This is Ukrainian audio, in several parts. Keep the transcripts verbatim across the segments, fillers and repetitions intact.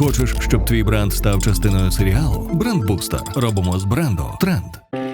Хочеш, щоб твій бренд став частиною серіалу? Брендбустер. Робимо з бренду тренд.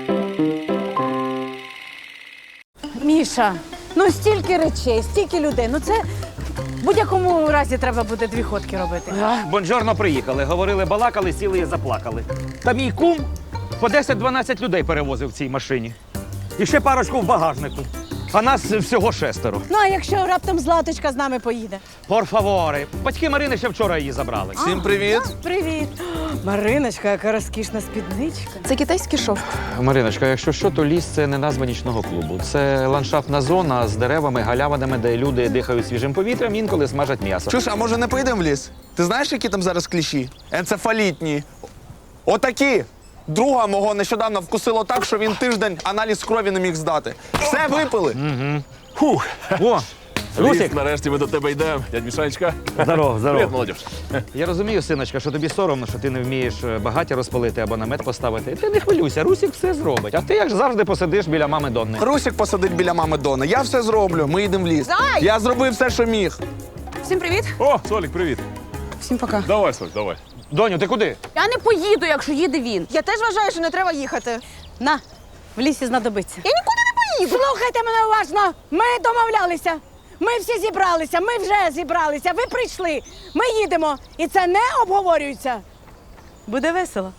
Міша, ну стільки речей, стільки людей. Ну це в будь-якому разі треба буде дві ходки робити. Бонжорно приїхали, говорили, балакали, сіли і заплакали. Та мій кум по десять-дванадцять людей перевозив в цій машині. І ще парочку в багажнику. А нас всього шестеро. Ну, а якщо раптом Златочка з нами поїде? Пор фаворе. Батьки Марини ще вчора її забрали. Всім привіт! Привіт. Мариночка, яка розкішна спідничка. Це китайський шовк. Мариночка, якщо що, то ліс – це не назва нічного клубу. Це ландшафтна зона з деревами, галявинами, де люди дихають свіжим повітрям, інколи смажать м'ясо. Чуш, а може не поїдемо в ліс? Ти знаєш, які там зараз кліщі? Енцефалітні. Отакі! Друга мого нещодавно вкусило так, що він тиждень аналіз крові не міг здати. Все випили. Фух. О, Русик! Ліс, нарешті ми до тебе йдемо. Дядь Мішанечка. Здорово, Привіт, здорово. молодіж. Я розумію, синочка, що тобі соромно, що ти не вмієш багаття розпалити або намет поставити. Ти не хвилюйся, Русик все зробить. А ти, як завжди, посидиш біля мами Донни. Русик посадить біля мами Дони. Я все зроблю, ми їдемо в ліс. Зай! Я зробив все, що міг. Всім привіт. О, Солік, привіт. Всім пока. Давай, Соль, давай. Доню, ти куди? Я не поїду, якщо їде він. Я теж вважаю, що не треба їхати. На, в лісі знадобиться. Я нікуди не поїду. Слухайте мене уважно. Ми домовлялися. Ми всі зібралися. Ми вже зібралися. Ви прийшли. Ми їдемо. І це не обговорюється. Буде весело.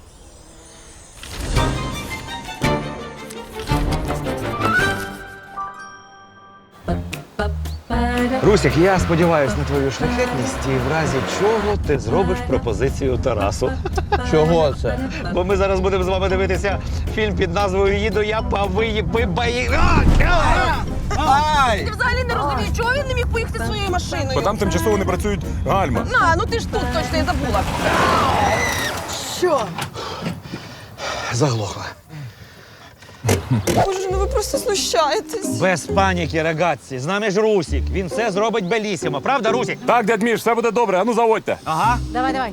Русик, я сподіваюся на твою шляхетність і в разі чого ти зробиш пропозицію Тарасу. Чого це? Бо ми зараз будемо з вами дивитися фільм під назвою «Їду я по виїбаї». Ай! Ти взагалі не розумієш, чого він не міг поїхати своєю машиною. Бо там тимчасово не працюють гальма. На, ну ти ж тут точно я забула. Що? Заглохла. Боже, ну ви просто знущаєтесь. Без паніки, рагazzi. З нами ж Русик. Він все зробить белісімо. Правда, Русик? Так, дядь Міш, все буде добре, а ну заводьте. Ага. Давай, давай.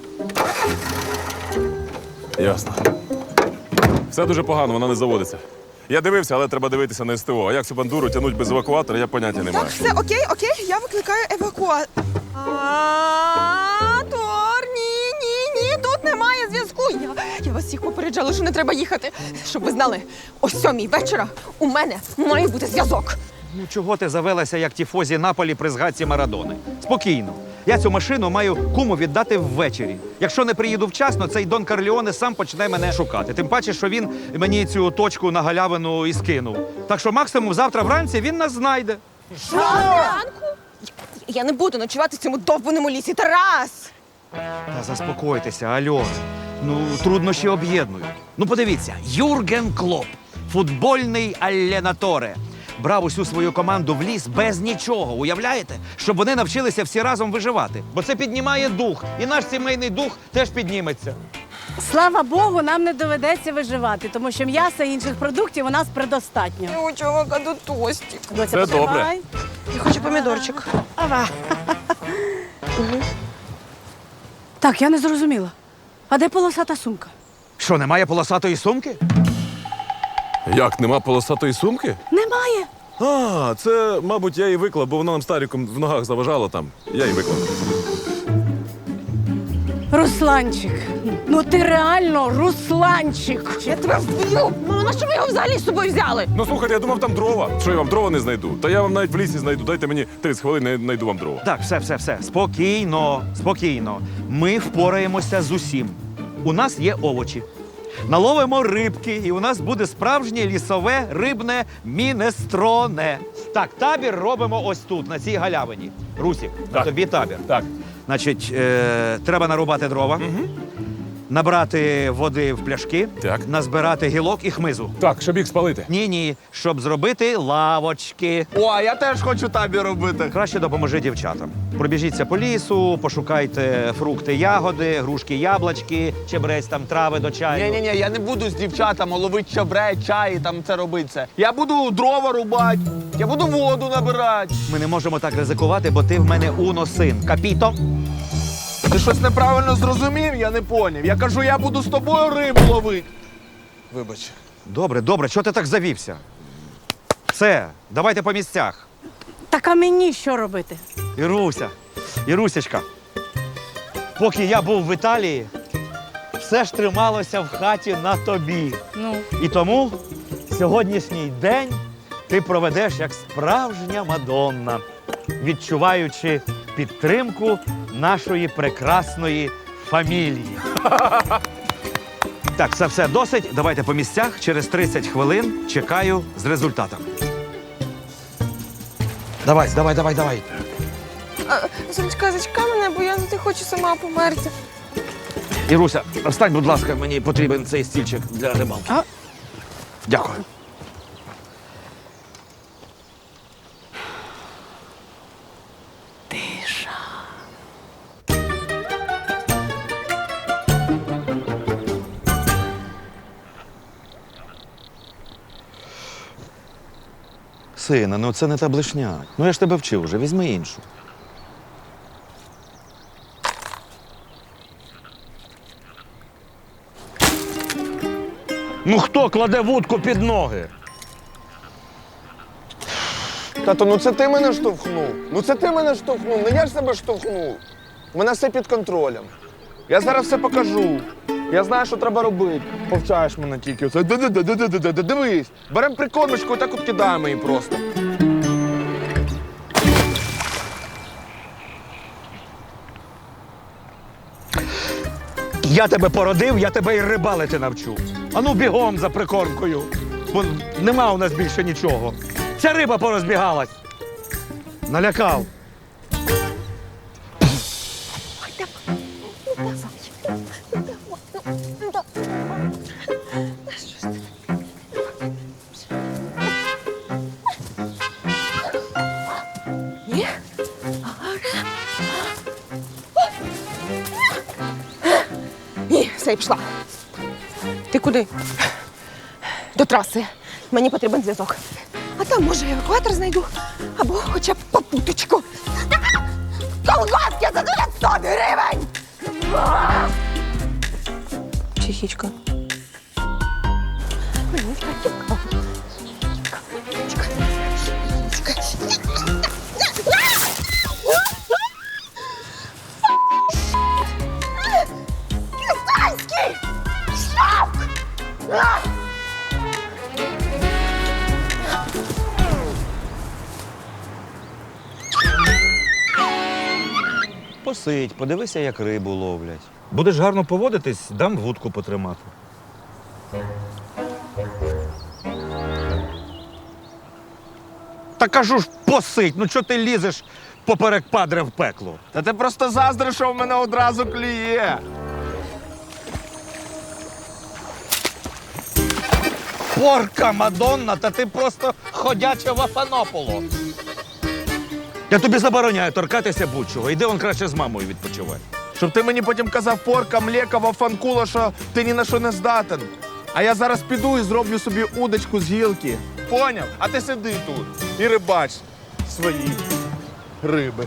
Ясно. Все дуже погано, вона не заводиться. Я дивився, але треба дивитися на СТО. А як цю бандуру тягнуть без евакуатора, я поняття не маю. Так, все, окей, окей, я викликаю евакуатор. Тор, ні, ні, ні, тут немає зв'язку. Я, я вас всіх попереджала, що не треба їхати. Щоб ви знали, о сьомій вечора у мене має бути зв'язок. Ну чого ти завелася, як тіфозі Наполі при згадці Марадони? Спокійно. Я цю машину маю куму віддати ввечері. Якщо не приїду вчасно, цей Дон Карліоне сам почне мене шукати. Тим паче, що він мені цю точку на галявину і скинув. Так що максимум завтра вранці він нас знайде. Ранку? Я, я не буду ночувати в цьому довбаному лісі, Тарас! Та заспокойтеся, альо. Ну, труднощі об'єднують. Ну, подивіться, Юрген Клоп, футбольний алленаторе, брав усю свою команду в ліс без нічого, уявляєте? Щоб вони навчилися всі разом виживати. Бо це піднімає дух, і наш сімейний дух теж підніметься. Слава Богу, нам не доведеться виживати, тому що м'яса і інших продуктів у нас предостатньо. У чувака до тості. Доця, Це потримай. добре. Я хочу помідорчик. Ава. Так, я не зрозуміла. А де полосата сумка? Що, немає полосатої сумки? Як, нема полосатої сумки? Немає. А, це, мабуть, я її виклав, бо вона нам старіком в ногах заважала там. Я її виклав. Русланчик, ну ти реально Русланчик. Я тебе вб'ю! Мама, на що ви його взагалі з собою взяли? Ну слухайте, я думав, там дрова. Що я вам дрова не знайду? Та я вам навіть в лісі знайду. Дайте мені тридцять хвилин, я знайду вам дрова. Так, все, все, все. Спокійно, спокійно. Ми впораємося з усім. У нас є овочі. Наловимо рибки, і у нас буде справжнє лісове рибне мінестроне. Так, табір робимо ось тут, на цій галявині. Русік, Так. тобі табір. Так. Значить, е, треба нарубати дрова, угу. набрати води в пляшки, Так. назбирати гілок і хмизу. Так, щоб їх спалити. Ні-ні, щоб зробити лавочки. О, а я теж хочу табір робити. Краще допоможи дівчатам. Пробіжіться по лісу, пошукайте фрукти, ягоди, грушки, яблочки, чебрець, там трави до чаю. Ні-ні-ні, я не буду з дівчатами ловити чабре, чай, там це робити це. Я буду дрова рубати, я буду воду набирати. Ми не можемо так ризикувати, бо ти в мене уно-син. Капіто? Ти щось неправильно зрозумів, я не поняв. Я кажу, я буду з тобою рибу ловити. Вибач. Добре, добре, чого ти так завівся? Все, давайте по місцях. Так а мені що робити? Іруся, Ірусечка, поки я був в Італії, все ж трималося в хаті на тобі. Ну, І тому сьогоднішній день ти проведеш як справжня Мадонна, відчуваючи підтримку нашої прекрасної фамілії. Так, це все досить. Давайте по місцях. Через тридцять хвилин чекаю з результатом. Давай, давай, давай, давай. Сонечка, зачекай мене, бо я не хочу сама померти. Іруся, встань, будь ласка, мені потрібен цей стільчик для рибалки. А? Дякую. Сина, ну це не та блешня. Ну я ж тебе вчив уже, візьми іншу. Ну хто кладе вудку під ноги? Тато, ну це ти мене штовхнув. Ну це ти мене штовхнув, не я ж себе штовхнув. У мене все під контролем. Я зараз все покажу. Я знаю, що треба робити. Повчаєш мене тільки. Оце ди-ди-ди-ди-ди-ди-ди. Дивись, беремо прикормочку і так от кидаємо її просто. Я тебе породив, я тебе і рибалити навчу. Ану бігом за прикормкою. Бо нема у нас більше нічого. Ця риба порозбігалась. Налякав. Ні, все, я пішла. Ти куди? До траси. Мені потрібен зв'язок. А там, може, евакуатор знайду. Або хоча б попуточку. Колготки за дев'ятсот гривень! Психічка. Китайський! Шок! Посидь, подивися, як рибу ловлять. Будеш гарно поводитись, дам вудку потримати. Та кажу ж, посидь, ну чого ти лізеш поперек падре в пекло? Та ти просто заздриш, що в мене одразу клює. Порка Мадонна, та ти просто ходяче вафанополо. Я тобі забороняю торкатися будь-чого. Іди он краще з мамою відпочивай. Щоб ти мені потім казав порка, млека, вафанкула, що ти ні на що не здатен. А я зараз піду і зроблю собі удочку з гілки. Поняв? А ти сиди тут і рибач свої риби.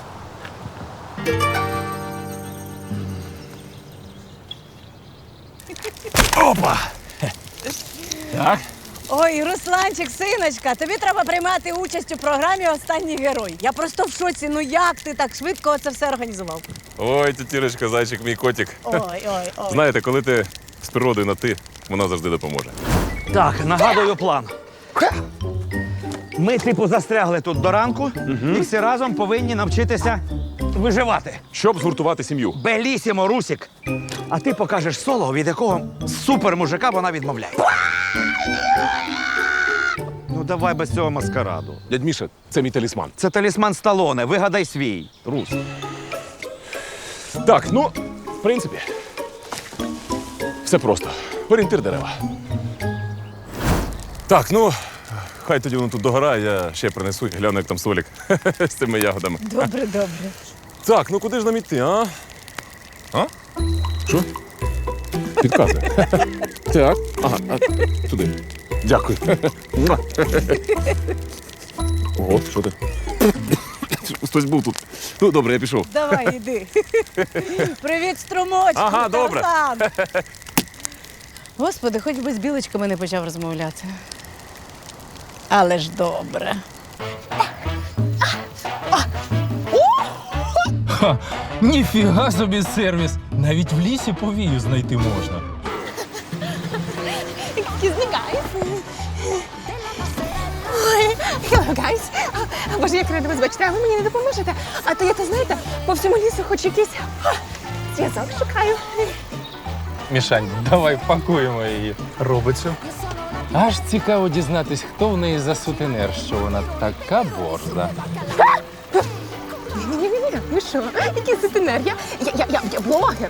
Опа! Так? ой, Русланчик, синочка, тобі треба приймати участь у програмі «Останній герой». Я просто в шоці. Ну як ти так швидко це все організував? Ой, тітірочка, зайчик, мій котик. Ой, ой, ой. Знаєте, коли ти з природою на ти, вона завжди допоможе. Так, нагадую план. Ми, типу, застрягли тут до ранку і всі разом повинні навчитися виживати. Щоб згуртувати сім'ю. Белісімо, Русік. А ти покажеш соло, від якого супер-мужика вона відмовляє. Ну давай без цього маскараду. Дядь Міша, це мій талісман. Це талісман Сталоне, вигадай свій. Рус. Так, ну, в принципі, все просто. Орієнтир дерева. Так, ну, хай тоді воно тут догорає, я ще принесу і гляну, як там солік з цими ягодами. Добре, добре. Так, ну куди ж нам іти, а? А? Що? Підказує. Так. Ага, а, туди. Дякую. Ого, що ти? Хтось був тут. Ну, добре, я пішов. Давай, іди. Привіт, струмочку. Ага, добре. Тарзан. Господи, хоч би з білочками не почав розмовляти. Але ж добре. Ха, ніфіга собі сервіс. Навіть в лісі повію знайти можна. Excuse me, guys. Ой, hello, guys. А, Боже, як рада вас бачити, а ви мені не допоможете? А то я, то знаєте, по всьому лісу хоч якийсь а, зв'язок шукаю. Мішань, давай пакуємо її робицю. Аж цікаво дізнатись, хто в неї за сутенер, що вона така борза. Ні-ні-ні, ви що? Який сутенер? Я, я, я, я, я блогер.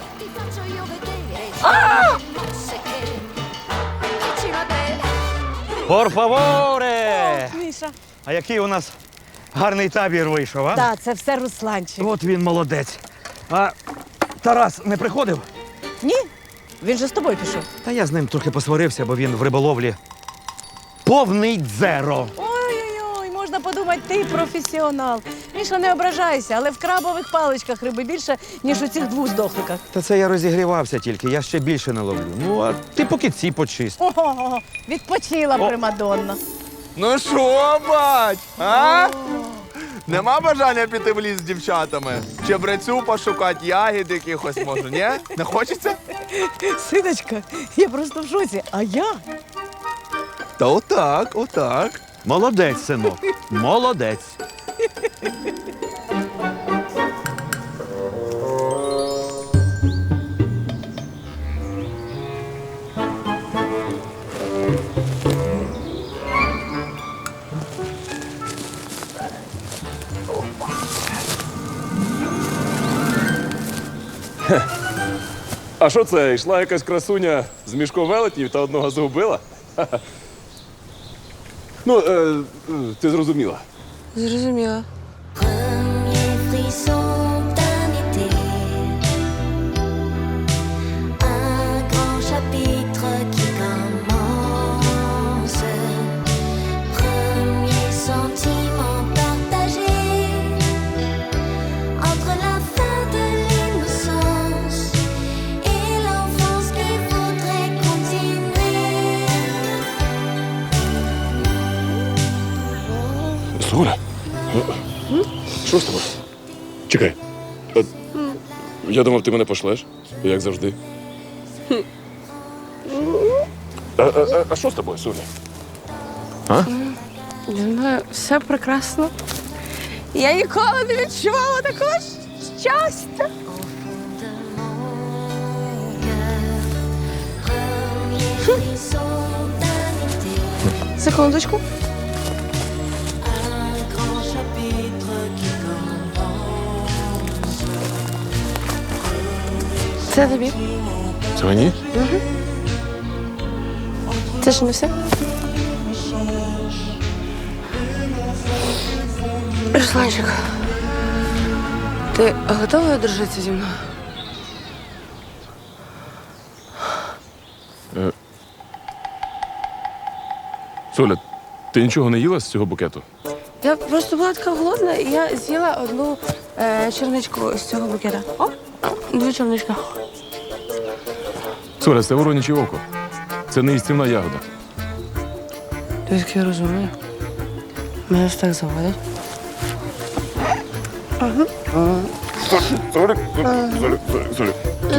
Пор фаворе! Міша. А який у нас гарний табір вийшов, а? Так, це все Русланчик. От він молодець. А Тарас не приходив? Ні? Він же з тобою пішов. Та я з ним трохи посварився, бо він в риболовлі повний дзеро. Ой-ой-ой, можна подумати, ти професіонал. Міша, не ображайся, але в крабових паличках риби більше, ніж у цих двох здохликах. Та це я розігрівався тільки, я ще більше не ловлю. Ну, а ти поки ці почисть. Ого, відпочила примадонна. Ну що, бать? А? Нема бажання піти в ліс з дівчатами? Чебрецю пошукати, ягід якихось може, ні? Не хочеться? Синочка, я просто в шоці. А я? Та отак, отак. Молодець, синок. Молодець. А що це? Йшла якась красуня з мішком велетнів та одного загубила? Ха-ха. Ну, е, е, ти зрозуміла. Зрозуміла. Premier frisson d'un été, un grand chapitre qui commence, premier sentiment partagé entre la fin de l'innocence et l'enfance qu'il faudrait continuer. Соля? Що з тобою? Чекай. А, я думав, ти мене пошлеш, як завжди. А, а, а, а що з тобою, Соля? А? Я знаю, все прекрасно. Я ніколи не відчувала такого щастя. Premier frisson d'un été, Секундочку. un grand chapitre qui commence. Це тобі. Це мені? Це ж не все. Русланчик, ти готовий одружитися зі мною? Соля, ти нічого не їла з цього букету? Я просто була така голодна, і я з'їла одну е, черничку з цього букета. О, дві чернички. Соля, це вороняче око. Це не їстівна ягода. Ти такий розумний. Мене ж так заводять. Соля, Соля, Соля, Соля.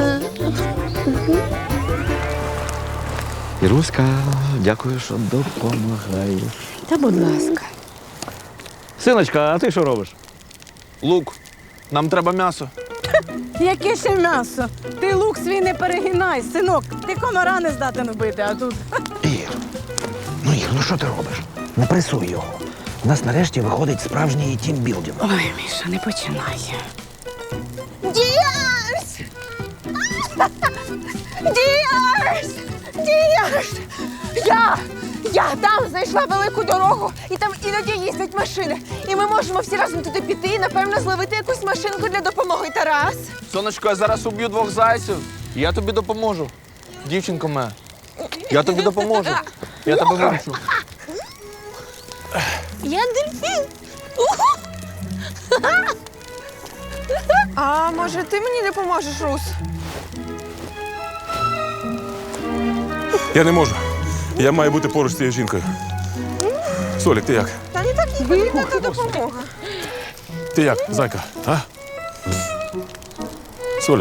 Іруська, дякую, що допомагаєш. Та будь ласка. Синочка, а ти що робиш? Лук, нам треба м'ясо. Яке ще м'ясо? Ти лук свій не перегинай, синок. Ти комара не здатен вбити, а тут. Ір, ну Ір, ну що ти робиш? Не пресуй його. У нас нарешті виходить справжній тімбілдинг. Ой, Міша, не починай. Діарс! Діарс! Діарс! Я! Я там знайшла велику дорогу, і там іноді їздять машини. І ми можемо всі разом туди піти і, напевно, зловити якусь машинку для допомоги. Тарас! Сонечко, я зараз уб'ю двох зайців. і Я тобі допоможу. Дівчинко моя, я тобі допоможу. Я тебе виручу. Я дельфін! А може ти мені допоможеш, Рус? Я не можу. Я маю бути поруч з цією жінкою. Солік, ти як? Та не так і потрібна та допомога. Ти як, зайка? А? Соля.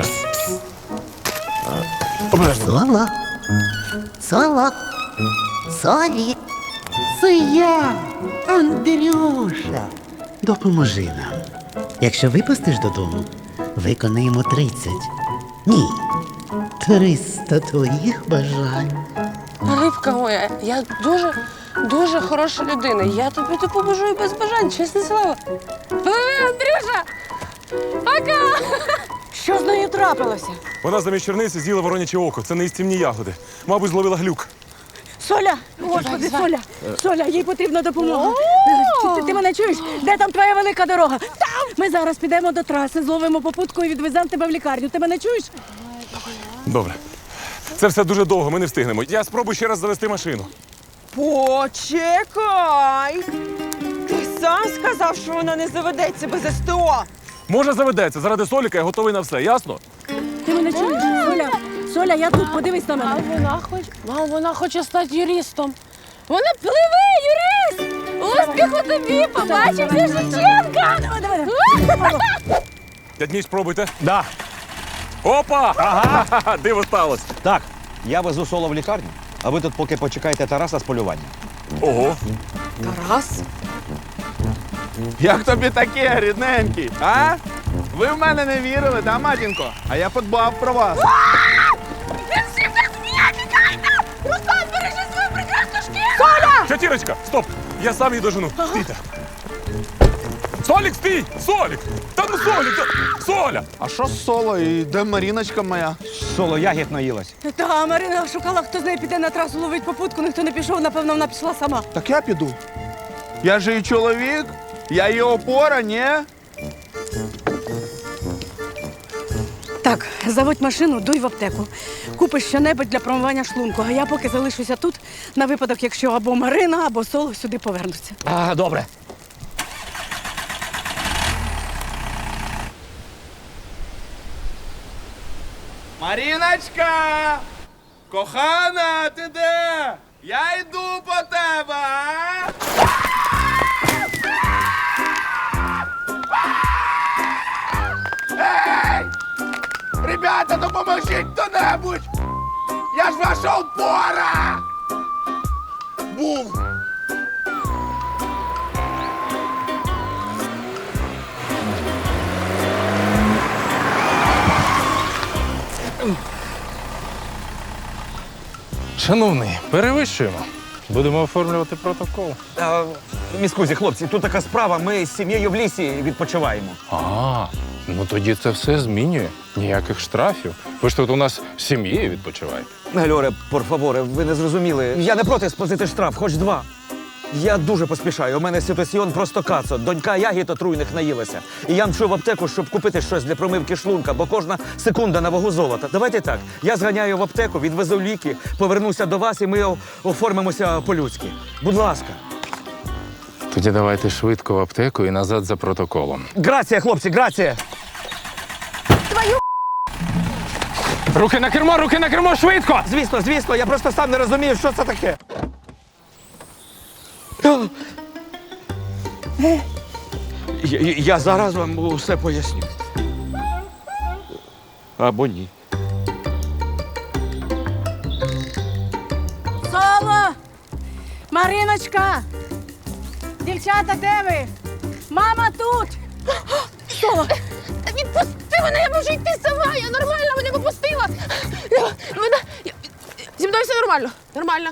Обережно. Соло. Соло. Солі. Це я, Андрюша. Допоможи нам. Якщо випустиш додому, виконаємо тридцять. Ні. Триста твоїх бажань. Рибка моя, я дуже, дуже хороша людина. Я тобі допоможу і без бажань, чесне слово. Пливи, Андрюша! Пока! Що з нею трапилося? Вона замість черниці з'їла вороняче око. Це не істівні ягоди. Мабуть, зловила глюк. Соля! Господи, Соля! Соля, їй потрібна допомога. Ти, ти мене чуєш? Де там твоя велика дорога? Там! Ми зараз підемо до траси, зловимо попутку і відвеземо тебе в лікарню. Ти мене чуєш? Добре. Це все дуже довго, ми не встигнемо. Я спробую ще раз завести машину. Почекай! Ти сам сказав, що вона не заведеться без СТО. Може, заведеться. Заради Соліка я готовий на все, ясно? Ти мене чуєш? Соля, Соля, я тут, подивись на мене. Вона хоче, мам, вона хоче стати юристом. Вона пливе, юрист! Успіху тобі! Побачимося, Шевченка! Давай, давай, Дядь Міш, спробуйте. Да. Опа! Ага! Диво сталося. Так, я везу соло в лікарню, а ви тут поки почекаєте Тараса з полювання. Ого. Тарас? Як тобі таке, рідненький? А? Ви в мене не вірили, да, матінко? А я подбав про вас. Руслан, бережи свою прекрасну шкіру! Чотірочка, стоп! Я сам її дожену. Стійте. Солік, стій! Солік! Та ну Солік! та- Соля! А що з соло? І де Маріночка моя? Соло ягід наїлась. Та Марина шукала, хто з нею піде на трасу ловить попутку, ніхто не пішов, напевно, вона пішла сама. Так я піду. Я же її чоловік, я її опора, ні? Так, заводь машину, дуй в аптеку. Купиш що-небудь для промивання шлунку, а я поки залишуся тут на випадок, якщо або Марина, або Соло сюди повернуться. А, добре. Маріночка! Кохана, ти де? Я йду по тебе, а? Ей! Ребята, допоможіть хто-небудь! Я ж ваша опора! Був! Шановний, перевищуємо. Будемо оформлювати протокол. А, міскузі, хлопці, тут така справа, ми з сім'єю в лісі відпочиваємо. А, ну тоді це все змінює. Ніяких штрафів. Ви ж тут у нас з сім'єю відпочиваєте. Гальоре, пор фаворе, ви не зрозуміли. Я не проти сплатити штраф, хоч два. Я дуже поспішаю. У мене ситуаціон просто кацо. Донька ягід отруйних наїлася. І я мчу в аптеку, щоб купити щось для промивки шлунка, бо кожна секунда на вагу золота. Давайте так. Я зганяю в аптеку, відвезу ліки, повернуся до вас і ми о- оформимося по-людськи. Будь ласка. Тоді давайте швидко в аптеку і назад за протоколом. Грація, хлопці, грація! Руки на кермо, руки на кермо, швидко! Звісно, звісно, я просто сам не розумію, що це таке. Я, я- я зараз вам усе поясню. Або ні. Соло! Мариночка! Дівчата, де ви? Мама тут! Соло! Відпусти мене, я можу йти сама, я нормально, мене попустила. Вона... Зі мною все нормально, нормально.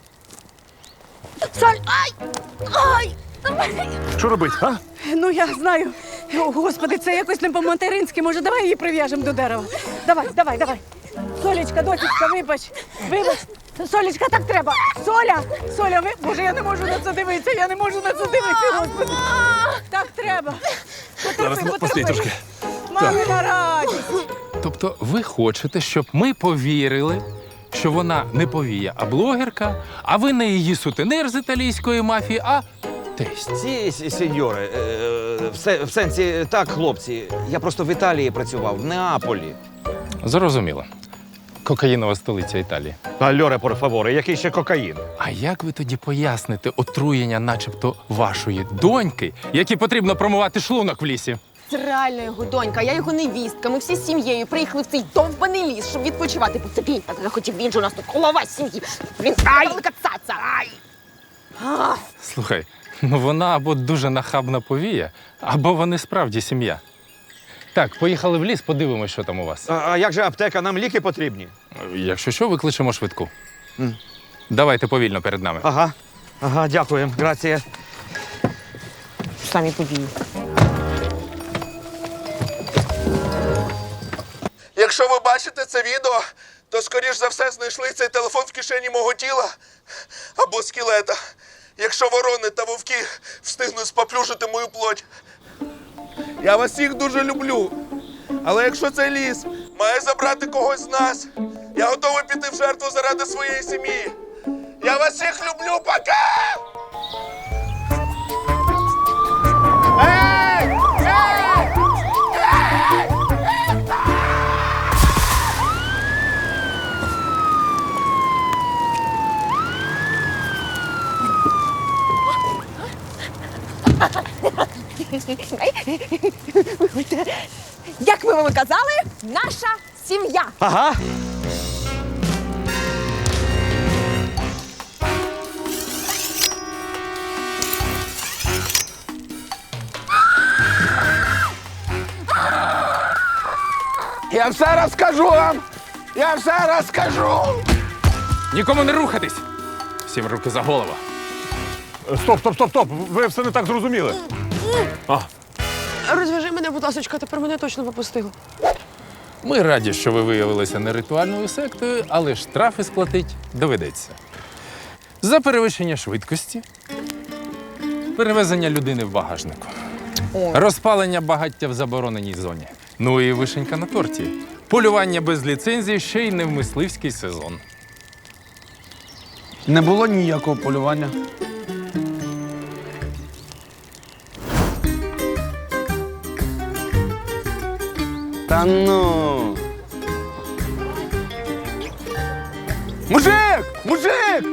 Соль! Ай! Ай! Що робити, а? Ну, я знаю. О, Господи, це якось не по-материнськи. Може, давай її прив'яжемо до дерева. Давай, давай, давай. Солічка, дочечка, вибач. Вибач. Солічка, так треба. Соля! Соля, ви... Боже, я не можу на це дивитися, я не можу на це дивитися, Господи. Так треба. Потерпи, Зараз, потерпи. постій трошки. Мамина радість. Тобто ви хочете, щоб ми повірили, що вона не повія, а блогерка, а ви не її сутенер з італійської мафії, а тесть. Ці сі- сеньори, е, в, се- в сенсі, так, хлопці, я просто в Італії працював, в Неаполі. Зрозуміло. Кокаїнова столиця Італії. Альоре, пор фаворе, який ще кокаїн? А як ви тоді поясните отруєння начебто вашої доньки, якій потрібно промивати шлунок в лісі? Це реально його донька, я його невістка. Ми всі з сім'єю приїхали в цей довбаний ліс, щоб відпочивати. Бо це він так захотів, він же у нас тут голова сім'ї. Він велика цаца. Ай! А, Слухай, ну вона або дуже нахабна повія, або вони справді сім'я. Так, поїхали в ліс, подивимось, що там у вас. А, а як же аптека? Нам ліки потрібні. Якщо що, викличемо швидку. Давайте повільно перед нами. Ага. Ага, дякуємо. Грація. Самі події. Якщо ви бачите це відео, то, скоріш за все, знайшли цей телефон в кишені мого тіла або скелета. Якщо ворони та вовки встигнуть споплюжити мою плоть. Я вас всіх дуже люблю. Але якщо цей ліс має забрати когось з нас, я готовий піти в жертву заради своєї сім'ї. Я вас всіх люблю, пока! Ей! Ей! Як ми вам і казали, наша сім'я. Ага. Я все розкажу вам! Я все розкажу! Нікому не рухатись! Всім руки за голову. Стоп, стоп, стоп, стоп! Ви все не так зрозуміли. А, Розв'яжи мене, будь ласка, тепер мене точно попустило. Ми раді, що ви виявилися не ритуальною сектою, але штрафи сплатить доведеться. За перевищення швидкості, перевезення людини в багажнику, розпалення багаття в забороненій зоні. Ну і вишенька на торті. Полювання без ліцензії ще й не в мисливський сезон. Не було ніякого полювання. Та ну. Мужик! Мужик!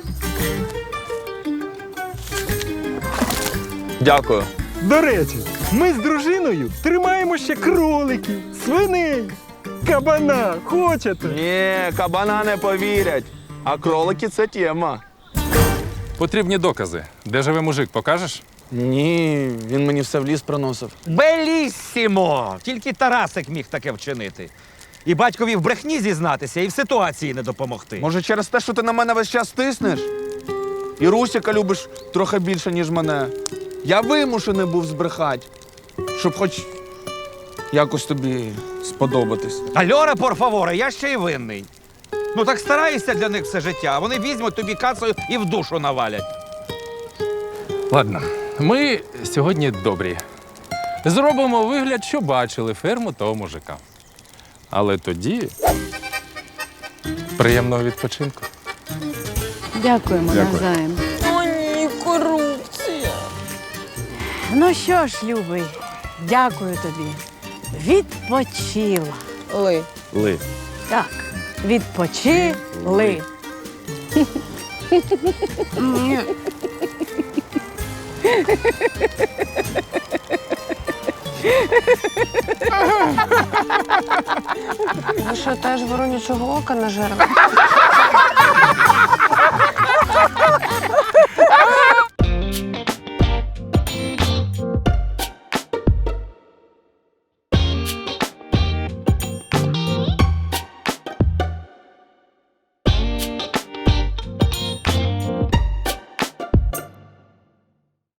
Дякую. До речі, ми з дружиною тримаємо ще кроликів, свиней, кабана. Хочете? Ні, кабана не повірять. А кролики це тема. Потрібні докази. Де живе мужик, покажеш? Ні, він мені все в ліс приносив. Белісімо! Тільки Тарасик міг таке вчинити. І батькові в брехні зізнатися, і в ситуації не допомогти. Може, через те, що ти на мене весь час тиснеш? І Русіка любиш трохи більше, ніж мене. Я вимушений був збрехати, щоб хоч якось тобі сподобатись. Альора, порфаворе, я ще й винний. Ну так стараєшся для них все життя, а вони візьмуть тобі кацею і в душу навалять. Ладно, ми сьогодні добрі. Зробимо вигляд, що бачили ферму того мужика. Але тоді приємного відпочинку. Дякуємо навзаєм. О, ні, корупція. Ну що ж, любий, дякую тобі. Відпочила. Ли. Ли. Так, відпочили. Ви що, теж воронячого ока нажерли?